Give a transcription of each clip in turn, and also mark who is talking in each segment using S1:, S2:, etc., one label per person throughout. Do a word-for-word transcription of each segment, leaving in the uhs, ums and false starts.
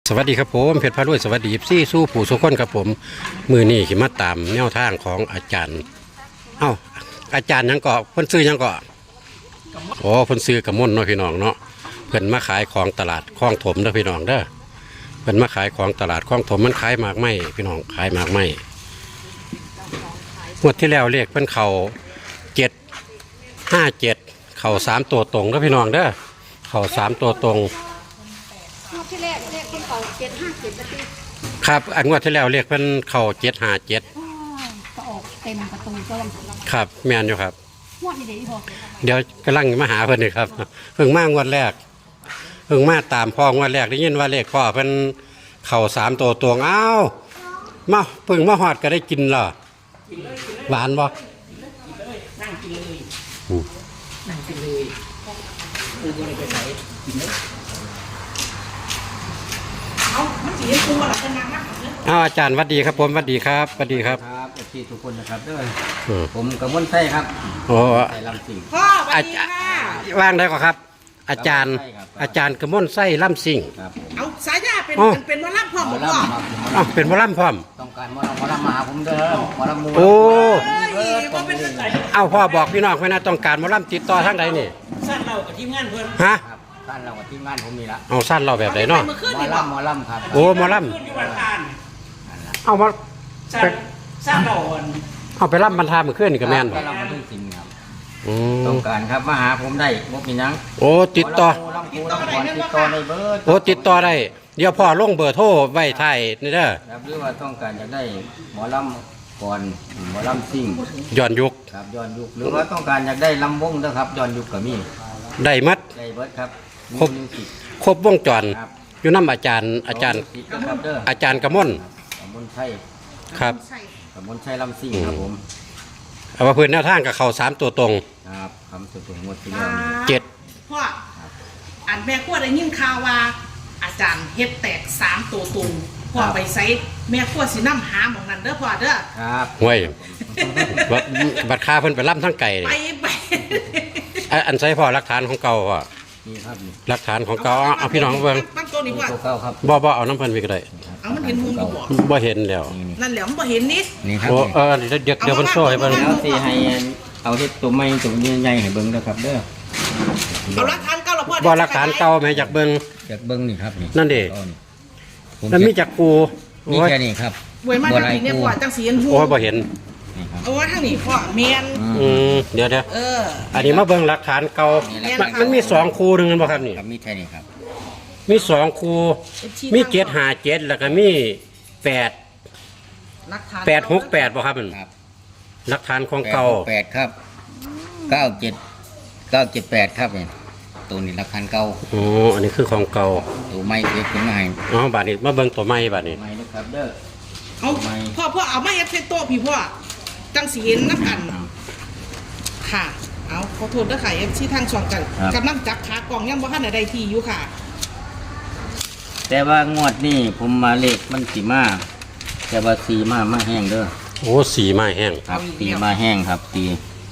S1: สวัสดีครับผมเพชรพารวยสวัสดีซี่สู้ผู้สุขคนครับผมมือนี่ขิมาตามแนวทางของอาจารย์เอ้าอาจารย์ยังเกาะเพิ่นซื้อยังเกาะโอ้เพิ่นซื้อกระมนเนาะพี่น้องเนาะเพิ่นมาขายของตลาดคลองถมเด้อพี่น้องเด้อเพิ่นมาขายของตลาดคลองถมมันขายหมากไม้พี่น้องขายหมากไม้งวดที่แล้วเรียกเพิ่นเข่าเจ็ดห้าเจ็ดเข่าสามตัวตรงเด้อพี่น้องเด้อเข่าสามตัวตรง
S2: งวดที่แรกเลขคนเขาเจ็ดห้าเจ็ดประตู
S1: ครับอันงวดที่แล้วเรียกเพิ่นเข่าเจ็ดห้าเจ็ด
S2: ก็ออกเต็มประตูก็ยัง
S1: ครับแม่นอยู่ครับ
S2: งวดที่เดียวพอ
S1: เดี๋ยวกำลังมาหาเพิ่นนี่ครับเพิ่งมางวดแรกเพิ่งมาตามพ่องวดแรกได้ยินว่าเลขพ่อเพิ่นเข่าสามตัวตวงอ้าวมาเพิ่งมาหอดก็ได้กินเหรอหวานบ่
S3: นั่งกินเลยนั่งกินเลยคือบ่ได้ไปไหนกินเลยเอามันสิให้กูว่าล่ะจะนั่งนักเด้อ
S1: อ้าวอาจารย์วัดดีครับผมวัดดีครับวัดดีครับ
S4: ครับเอฟซีทุกคนนะครับด้วยผมกระมวลไส้ครับ
S1: โอ้
S4: ไส้ลำสิง
S3: พ่อสวัสดีค่ะ
S1: ว่างได้ก่อนครับอาจารย์อาจารย์กระมวลไส้ล่ำซิ่ง
S3: เอาสายยาเป็นเป็นมะล่ำพ่อหมดพ่อ
S1: อ้าวเป็นมะล่ำพร้อม
S4: ต้องการมะล่ำมะล่ำมาหาผมเด้อมะล่ำมู
S1: โอ้
S3: เอา
S1: พ่อบอกพี่น้องไว้นะต้องการมะล่ำติดต่อทางใดนี่
S3: สั้นเรากับทีมงานเพิ่น
S1: ฮะ
S4: สั้นเรากับทีมงานผมนี่ละ
S1: เอาสั้นเราแบบไหนเนาะ
S4: มะล่ำมะล่ำครับ
S1: โอ้มะล่ำเอามา
S3: สั้นเรา
S1: เอาไปล่ำบรรทามือเคลื่อนนี่กับแม่น
S4: มะล่ำมาถึงจริงครับต้องการครับมาหาผมได้บ่มีนัง
S1: โอ้ติดต่อ
S4: ติดต่อติดต่อในเบอร์
S1: โอ้ติดต่อได้เดี๋ยวพ่อลงเบอร์โทรไว้ท้ายนี่เด้อ
S4: ครับหรือว่าต้องการจะได้หมอลำก่อนหมอลำซิ่ง
S1: ย้อนยุค
S4: ครับย้อนยุคหรือว่าต้องการอยากได้ลำวงนะครับย้อนยุคก็มี
S1: ได้มัด
S4: ได้เบิร์ดครับ
S1: ครบครบวงจรอยู่น้ำอาจารย์อาจารย์อาจารย์กระมน
S4: กระมนชัย
S1: ครับ
S4: กระมนชัยลำซิ่งครับผม
S1: เอาว่าพื้นแนวทางกับเขาสามตัวตรง
S4: ครับคำสุดงวดที่แล้ว
S1: เจ็ด
S3: พ่ออันแม่ขั้วได้ยินข่าวว่าอาจารย์เฮ็ดแตกสามตัวตรงพ่อไปไซแม่ขั้วสิน้ำหาหมองนั้นเด้อพ่อเด้อ
S4: ครับ
S1: ห่วยบัดคาเพิ่นไปล่ำทั้งไก่
S3: ไปไป
S1: อันใช้พ่อหลักฐานของเก่าพ่อ
S4: นี่ครับ
S1: หลักฐานของเก่าเอาพี่น้องเบิ่ง
S3: ตั้งตัวนี้พ่อ
S4: เก่าครับ
S1: บ่บ่เอาน้ำเพิ่นไปก็ได้
S3: เอามันเห็นมุมอยู่บ่
S1: บ่เห็นแล้ว
S3: นั่นแหละมันบ่เห็นนิด
S4: นี่ครับ
S1: โอ้เออเดี๋ยวเดี๋ยวเพิ่นโซ่ให้เบิ่ง
S4: แล้วสิให้เอาเฮ็ดตัวใหม่ตัวใหญ่ๆให้เบิ่งนะครับเด้อ
S3: เอาหลักฐานเก่าละพ่อ
S1: บ่หลักฐานเก่าแม่อยากเบิ่ง
S4: อยากเบิ่งนี่ครับนี่
S1: นั่นดิแล้วมีจักกู
S4: มีแค่นี้ครับ
S3: บ่มาทางนี้เนี่ยพ่อจังสิเห็นหู
S1: โอ้บ่เห็น
S3: เอาว่าทางนี้พ่อแม่น
S1: อืมเดี๋ยวๆ
S3: เออ
S1: อันนี้มาเบิ่งหลักฐานเก่ามันมีสองคูนึงบ่ครับนี่
S4: ครับมีแค่นี้ครับ
S1: มีสองคูมีเจ็ดห้าเจ็ดแล้วก็มีแปดแปดหกแปดบ่ครับมันหลักฐานของเก่า
S4: แปดครับเก้าเจ็ดเก้าเจ็ดแปดครับเนี่ยตัวนี้หลักฐานเก่า
S1: โอ้อันนี้คือของเก่า
S4: ตัวใหม่เก็บขึ้นมาให้
S1: อ๋อบาดนี้มาเบิ่งตัวใหม่บาดนี้
S4: ใหม่นะครับเด้อ
S3: เอาพ่อพ่อเอามาเฮ็ดใส่โต๊ะพี่พ่อจังสีเห็นนักกันค่ะเอาขอโทษด้วยค่ะเอฟซีทางช่องกันกำลังจับขากล่องยังบ่ทันได้ที่อยู่ค่ะ
S4: แต่ว่างวดนี้ผมมาเลขมันสีมาแต่ว่าสีมามาแห้งเด้อ
S1: โอ้สีมาแห้ง
S4: ครับสีมาแห้งครับสี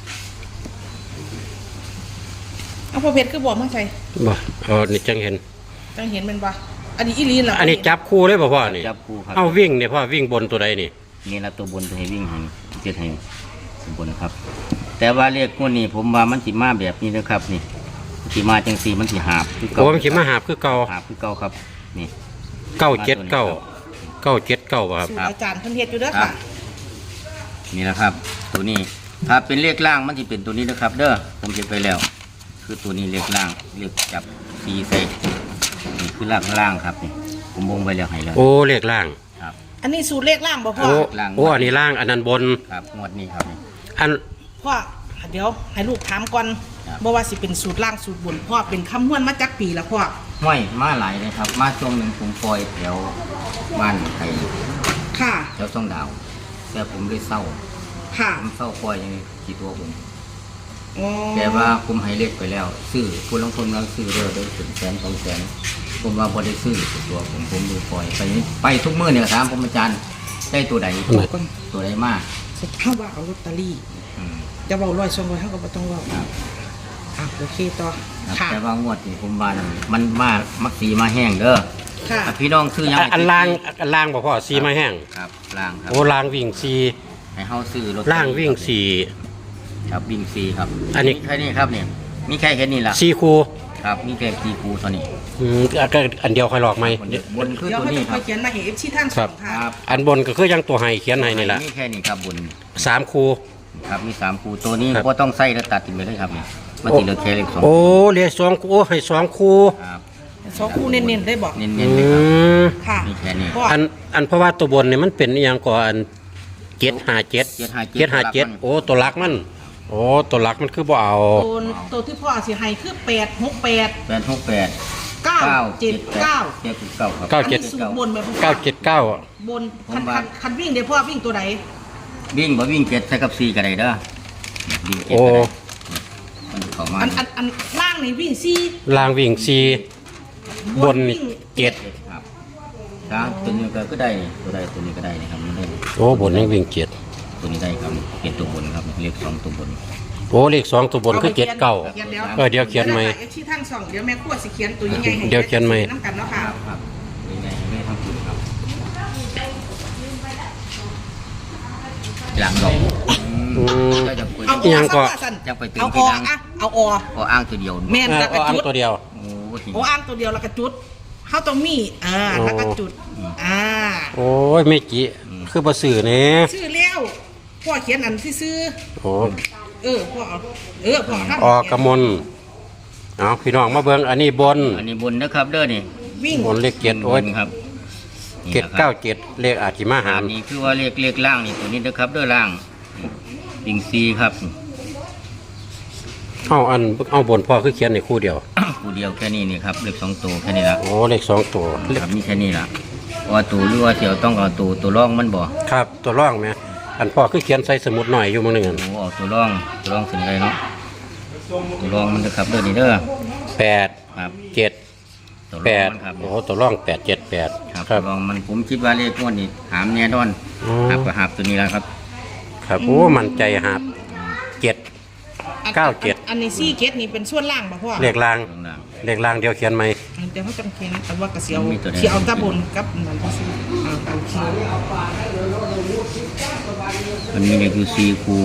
S3: เอาพ่อเพชรคือบ่มาใช่
S1: บ่เออนี่จังเห็น
S3: จังเห็นเป็นบ่อันนี้อีลีนเหรอ
S1: อันนี้จับคู่เลยบ่พ่อนี่
S4: จับคู่ครับ
S1: เอาวิ่งเนี่ยพ่อวิ่งบนตัวใดนี่
S4: นี่ละตัวบนตัวให้วิ่งให้เจ็ดให้บนครับแต่ว่าเลขงวดนี้ผมว่ามันสีมาแบบนี้นะครับนี่สีมาจังสีมันสีหาบ
S1: คือเก่าโอ้มันสีมาหาบคือเก่า
S4: หาบคือเก่าครับนี่
S1: เก้าเจ็ดเก้าเก้าเจ็ดเก้าครับ
S3: อาจารย์เพิ่นเฮ็ดอยู่เด้อค่ะ
S4: นี่แหละครับตัวนี้ถ้าเป็นเลขล่างมันจะเป็นตัวนี้นะครับเด้อผมเก็บไปแล้วคือตัวนี้เลขล่างเลขจับสีใส่นี่คือล่างล่างครับนี่ผมวงไว้แล้วให้แล้ว
S1: โอ้เลขล่าง
S4: ครับ
S3: อันนี้สูตรเลขล่างบ่พ่อ
S1: โอ้อันนี้ล่างอันนั้นบน
S4: ครับงวดนี้ครับ
S1: อัน
S3: พ่อเดี๋ยวให้ลูกถามก่อนบ่ว่าสิเป็นสูตรล่างสูตรบนพ่อเป็นคำนวณมาจากปีละพ่อ
S4: ห้วยมาหลายเลยครับมาช่วงหนึ่งผมปล่อยแถวบ้านไทย
S3: ค่ะ
S4: แถวช่องดาวแต่ผมได้เศร้า
S3: ค่ะ
S4: ผมเศร้าปล่อยอย่างนี้กี่ตัวผมแต่ว่าผมให้เล็กไปแล้วซื้อผู้ลงทุนเราซื้อเรื่อยๆถึงแสนสองแสนผมว่าพอได้ซื้อตัวผมผมดูปล่อยไปไปทุกมื้อเนี่ยถามผมอาจารย์ได้ตัวใดตัวใดมาก
S3: ถ้าว่าเอาลอตเตอรี่จะเบาร้อยสองร้อยเท่ากับต้องว่าอ่ะโอเคต่อ
S4: แต่ว่างวดนี่ผมว่ามันมามักสีมาแห้งเด้อ
S3: ค่ะ
S4: อ่ะพี่น้องซื้อยัง
S1: อันอันล่างอันล่างบ่พ่อซีไม้แห้ง
S4: ครับล่างครับ
S1: โอ้ล่างวิ่งซี
S4: ให้เฮาซื้อรถ
S1: ล่างวิ่งสี่
S4: ครับวิ่งซีครับ
S1: อันนี้
S4: มีแค่นี้ครับเนี่ยมีแค่เห็นนี่ล่ะ
S1: ซีคู
S4: ครับมีแค่ซีคูเท่านี้
S1: อืมก็อันเดียวค่อยหลอกไหม
S4: บนบนคือ
S3: เดี๋ยว
S4: ตัว
S3: เขา
S4: นี้
S3: จะ
S4: ค
S3: ค
S4: รั
S3: อบ ยเขียนมาเห็นเอฟซีทางส
S1: ครั
S3: อบ งค่ะ
S4: ครับ
S1: อันบนก็คือยังตัวไห้เขียนให้นี่แหละ
S4: มีแค่นี้ครับบน
S1: สามคู
S4: ครับมีสามคูตัวนี้
S1: ครับ
S4: ก็ต้องใส่แล้วตัดทิ้งไปเลยครับนี่มันติเหลือแค่เล็กสอง
S1: โอ้เหลียสองคูโอ้ให้สองคู
S4: ครับ
S3: สองคู่เน้นๆได้บอก
S4: เน้
S1: อื
S4: นๆเลยครับ
S1: ม
S3: ค่ะ
S4: มีแค่นี้
S3: พ่อ
S1: อันอันเพราะว่าตัวบนเนี่ยมันเป็นอหย่างก่อนเจ็ดห้าเจ็ด
S4: เจ็ดห้าเจ็ด
S1: เจ็ดห้าเจ็ดโอ้ตัวลักมัน โอ้ตัวลักมันคือบ่เอา
S3: ตัวตัวที่พ่อสิให้คือแปดหกแปด
S4: แปดหกแปด
S3: เก้าเจ็ดเก้า
S4: เจ็ดเก้าครับ
S1: เก้าเจ็ด
S3: อันนี้สูตรบนไหมพ่อ
S1: เก้าเจ็ดเก้า
S3: บนคันคันคันวิ่งเดี๋ยวพ่อวิ่งตัวไหน
S4: วิ่งบ่วิ่งเจ็ดใส่กับสี่ก็ได้เด้อวิ่งเจ็ด
S1: โอ้
S4: ก็ได้มันเข้ามา
S3: อันอันอันล่างนี่วิ่งสี่
S1: ล่างวิ่งซีบนนี่เจ็ด
S4: ครับถ้าตัวนี้ก็ก็ได้นี่ตัวใดตัวนี้ก็ได้นะครับมันได้
S1: โอ้บนยังวิ่งเจ็ด
S4: ตัวนี้ได้ครับเจ็ดตัวบนครับเลขสองตัวบน
S1: โอ้เลขสองตัวบนคือเจ็ดเก้า
S3: ขียนแล้ว
S1: เออเดี๋ยวเขียนใหม่
S3: เอฟซีทางสองเดี๋ยวแม่ขั้วสิเขียนตัวยังไงให้
S1: เดี๋ยวเขียนใหม่
S3: น้ำกันเนาะ
S4: ค
S3: ค่ะ
S4: รับครับยังไงไม่ทำถูกครับหลังดอก
S1: อืม
S4: ก็จะคุย
S3: เอา
S1: อีหยังก็
S3: สั่น
S4: จะไปถึง
S3: เอา
S4: ที่
S3: อ
S4: หลัง
S3: อะเอาออ
S4: พออ้างตัวเดียว
S3: แม่น
S1: เออ
S3: แล้วก็
S1: เอาอัง
S3: จุด
S1: ตัวเดียว
S4: โอ้โห
S3: โอ้อ้างตัวเดียวแล้วก็จุดเขาต้องมีอ่า
S1: โอ้
S3: แล้วก็จุดอ่า
S1: โอ้ยไม่กี่คือบ่ซื้อเนี่ย
S3: ชื่อเลี้ยวพ่อเขียนอันที่ซื้อ
S1: โอ้
S3: เออพ่อเอาเออพ่อทำ
S1: ออกกระมนเอาพี่น้องมาเบิ่งอันนี้บน
S4: อันนี้บนนะครับเด้อนี่
S3: วิ่ง
S1: บนเลขเจ็ดโอ้ย
S4: บนครับ
S1: เจ็ดเก้าเจ็ดเลขอาจิมาหา
S4: อั
S1: ร
S4: นนี้คือว่าเลขเลขล่างนี่ตัวนี้นะครับเด้อล่างปิงซีครับ
S1: เอาอันเอาบนพ่อคือเขียนในคู่เดียว
S4: คู่เดียวแค่นี้นี่ครับเลขสองตัวแค่นี้ละ
S1: โอ้เลขสองตัวเลข
S4: ครับมีแค่นี้ละว่าตัวหรือว่าเสียวต้องเอาตัวตัวร่องมันบ่
S1: ครับตัวร่องไหมอันพ่อคือเขียนใส่สมุดหน่อยอยู่มื้อหนึงอัน
S4: โอ้เอาตัวร่องตัวร่องสิ่งไรเนาะตัวร่องมันนะครับเด้อนี่เด้อ
S1: แปด
S4: ครับ
S1: เจ็ด
S4: ตัว
S1: แป
S4: ร่อง
S1: ด
S4: มันครับ
S1: โอ้ตัวร่องแปดเจ็ดแปด
S4: ครับ
S1: ครั
S4: ตัว
S1: บ
S4: ร่องมันผมคิดว่าเลขงวดนี่หามแน่นอน
S1: อ๋อ
S4: หับกับหับตัวนี้แล้วครับ
S1: ครับโอ้มันใจหาบเจ็ด
S3: อัน
S1: เก้าเจ็ด
S3: อันนี้ซี่เกตนี่เป็นส่วนล่างป่ะพ่อ
S1: เลขล่าง
S4: ตรงล่าง
S1: เลขล่างเดียวเขียนไหม
S3: เดี๋ยวเขาจำเขียนแต่ว่ากระเสียว
S4: มีตัวใด
S3: เขียวเอาตาบนกับมันที่ซื้ออ่าโอเค
S4: มันมีเลขอยู่สี่คู่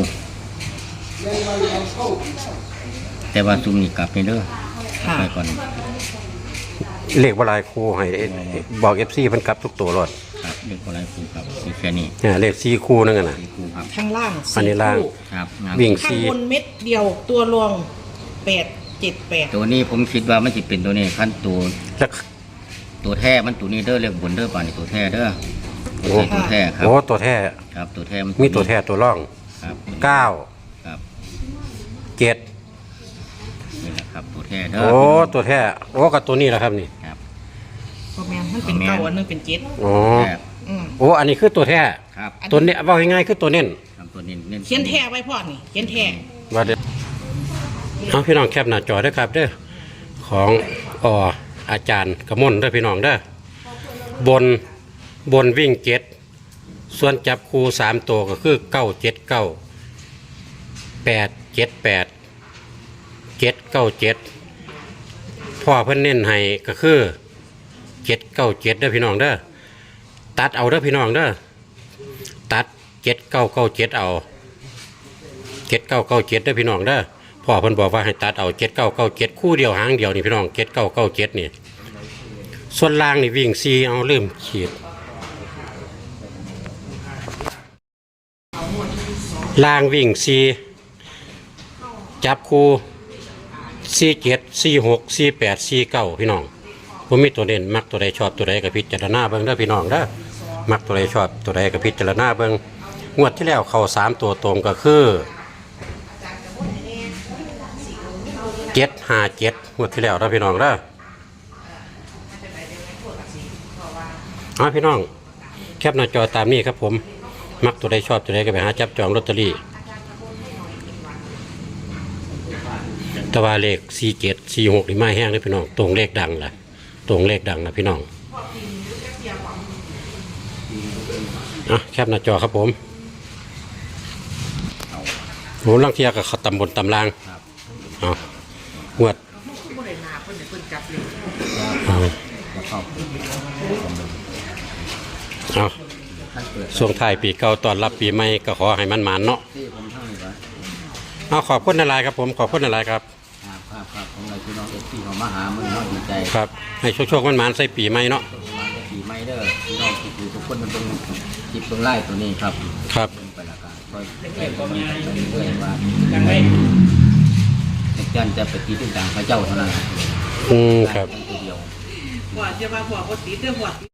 S4: แต่ว่าซุ่มนี่กลับไปเด้อ
S3: ค่ะ
S4: ไปก่อน
S1: เลขวลายครูให้บอกเอฟซีเพิ่นกลับทุกตัวรถ
S4: ครับเลขอะไรคู่ครับมีแค่นี้
S1: เนี่ยเลขสี่คู่นั่นน่ะ
S4: สี่คู่ครับ
S3: ข้างล่าง
S1: อันนี้ล่าง
S3: คู่
S4: ครับงาน
S1: วิ่ง
S3: ข้าง
S1: สี่
S3: บนเม็ดเดียวตัวรองแปดเจ็ดแปด
S4: ตัวนี้ผมคิดว่ามันจะเป็นตัวนี้ขั้นตัว
S1: แล้ว
S4: ตัวแท้มันตัวนี้เด้อเลขบนเด้อป่านนี้ตัวแท้เด้อ
S1: โอ้
S4: ใช่ตัวแท้ครับ
S1: โอ้ตัวแท้
S4: ครับตัวแท้มัน
S1: มีตัวแท้ตัวร่อง
S4: ครับ
S1: เก้า
S4: ครับ
S1: เจ็ด
S4: นี่แหละครับตัวแท้เด้อ
S1: โอ้ตัวแท้โอ้กับตัวนี้แหละครับนี่
S4: ครับ
S3: พอแมนมันเป็นเก้าอันหนึงเป็นเจ็ด
S1: โอ้
S4: แท้
S3: อืม
S1: โอ้อันนี้คือตัวแท้
S4: ครับ
S1: ตัวเนี้ยว่าง่ายๆคือตัวเน้น
S4: ครับตัวนี้เน้น
S3: เขียนแท้ไว้พ่อนี่เขียนแท้
S1: ว่าเด็ดเอาพี่น้องแคปหน้าจอด้วยครับเด้อของออาจารย์กระมนเด้อพี่น้องเด้อบนบนวิ่งเจ็ดส่วนจับคู่สามตัวก็คือเก้าเจ็ดเก้าแปดเจ็ดแปดเจ็ดเก้าเจ็ดพ่อเพิ่นเน้นให้ก็คือเจ็ดเก้าเจ็ดเด้อพี่น้องเด้อตัดเอาเด้อพี่น้องเด้อตัดเจ็ดเก้าเก้าเจ็ดเอาเจ็ดเก้าเก้าเจ็ดเด้อพี่น้องเด้อพ่อเพิ่นบอกว่าให้ตัดเอาเจ็ดเก้าเก้าเจ็ดคู่เดียวหางเดียวนี่พี่น้องเจ็ดเก้าเก้าเจ็ดนี่ส่วนล่างนี่วิ่งซีเอาลืมขีดล่างวิ่งซีจับคู่ซีเจ็ดซีหกซีแปดซีเก้าพี่น้องผมมีตัวเด่นมักตัวใดชอบตัวใดกับพิจารณาเบิ่งเด้อพี่น้องเด้อมักตัวใดชอบตัวใดกับพิจารณาเบิ่งงวดที่แล้วเข้าสามตัวตรงก็คือเจ็ดห้าเจ็ดงวดที่แล้วเด้อพี่น้องเด้อเอาพี่น้องแคปหน้าจอตามนี้ครับผมมักตัวใดชอบตัวใดก็ไปหาจับจองลอตเตอรี่แตะวันเลขสี่เจ็ดสี่หกนี่ไม่แห้งเลยพี่น้องตรงเลขดังล่ะตรงเลขดังนะพี่น้องอ่ะแคปหน้าจอครับผมโหลังเทียกับเขาตำบนตำลางเอางวดเอา
S4: บกับครอบครัว
S1: เอา
S4: ท่านเปิด
S1: ช่วงท้ายปีเก่าตอนรับปีใหม่ก็ขอให้มันหมานเนาะ
S4: ที่ผมทั้งนี้ว่า
S1: เอาขอบคุณอะไรครับผมขอบคุณอะไรครับ
S4: ครับครับครับของเราพี่น้องเอฟซีเขามาหามึงเนาะดีใจ
S1: ครับให้โชคๆมันหมานใส่ปีใหม่เนาะ
S4: มาได้ปีใหม่เด้อพี่น้องทุกทุกคนมันตรงจิบตรงไล่ตัวนี้ครับ
S1: ครับ
S4: เป็นไปละกันคอยแก้ก็มีไปเรื่อยๆว่าอาจารย์จะไปตีตึ้งต่างพระเจ้าเท่านั้น
S1: อืมครับ
S4: ตัวเดียว
S3: พ่อจะมาพ่อบ่ติดเด้อพ่อ